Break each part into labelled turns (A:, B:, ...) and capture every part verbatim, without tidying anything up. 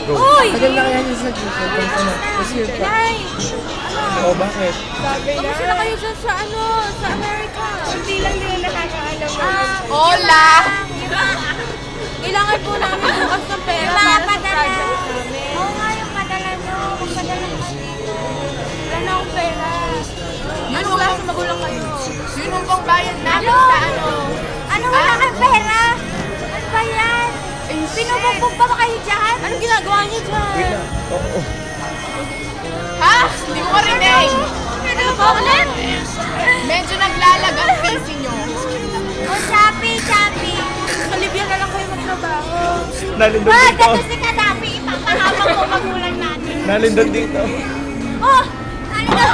A: Go.
B: Uy!
C: Tagal na kaya niya sa G-Show. Ano? Kasi yun pa.
B: Nay!
A: Oh, bakit?
D: Sabi na.
B: Kamusta na kayo dyan sa ano? Sa Amerika?
D: Hindi lang nila nakakaalam.
B: Ah,
D: Hola!
B: kailangan po namin bukas ng pera para sa project namin.
E: Oo nga yung padala nyo. Magpadala mo kayo dito.
B: Wala na akong pera. Ano wala sa magulang kayo?
D: Yun ang pang bayad namin
E: Ano?
D: sa ano.
E: Ano wala kang pera? Ano ba yan? Pinubugbog ba ba kayo dyan?
B: Anong ginagawa niyo dyan?
A: Wait lang. Oo.
D: Ha? Hindi ko marinig.
B: Ano ba ulit?
D: Medyo naglalag ang face nyo.
E: O, Shopee, Shopee.
B: Sa Libya na lang kayo magtrabaho.
A: Nalindot
E: Ba,
A: dito.
E: gato si Kadapi. Ipapahabang ko magulang natin.
A: Nalindot dito.
E: Oh! Ano na?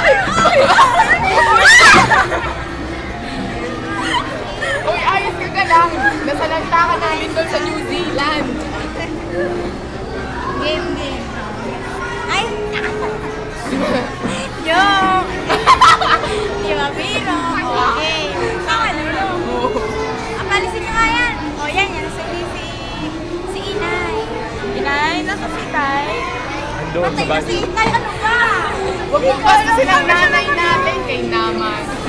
D: Uy, ayos ka ka lang. Nasalanta ka namin doon sa New Zealand.
E: Game, game. Ay, joke. Di ba, biro? Okay. Saka, ano? Ang palisin nyo nga yan. O, yan, yan. Sabi si, si Inay.
B: Inay, nasa si Tay.
A: Andun sa
E: Patay na si
A: bagi.
E: Inay. Ano ba?
D: Huwag mo basta silang nanay natin kay naman.